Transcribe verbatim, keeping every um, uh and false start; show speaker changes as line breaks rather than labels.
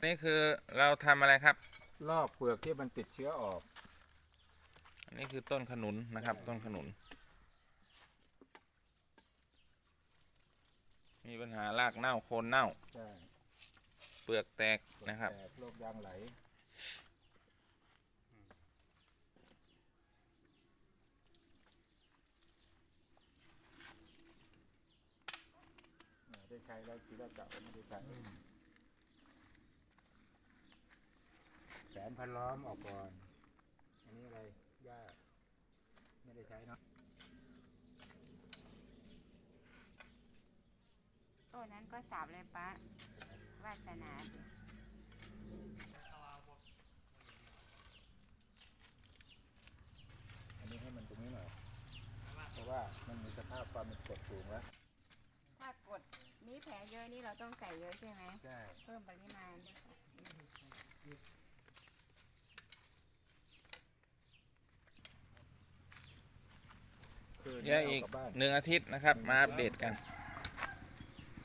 นี่คือเราทำอะไรครับ
ลอกเปลือกที่มันติดเชื้อออก
อันนี้คือต้นขนุนนะครับ ต้นขนุน มีปัญหารากเน่าโคนเน่า
ใช่
เปลือกแตกนะครับ
แตกโรคยางไหลได้ใช้แล้วทีแรกกะว่าไม่ได้ใช้แสนพันล้อมออกก่อน อันนี้อะไรหญ้าไม่ได้ใช้เนาะ
ต้นนั้นก็สับเลยปะวาสนาดิ
อันนี้ให้มันตรงนี้หน่อยเพราะว่ามันมีสภาพความเป็นกรดสูงแล้ว
ถ้ากดมีแผลเยอะนี่เราต้องใส่เยอะใช่ไหม
ใช่
เพิ่มปริมาณ
เดี๋ยวอีกหนึ่งอาทิตย์นะครับ มาอัปเดตกัน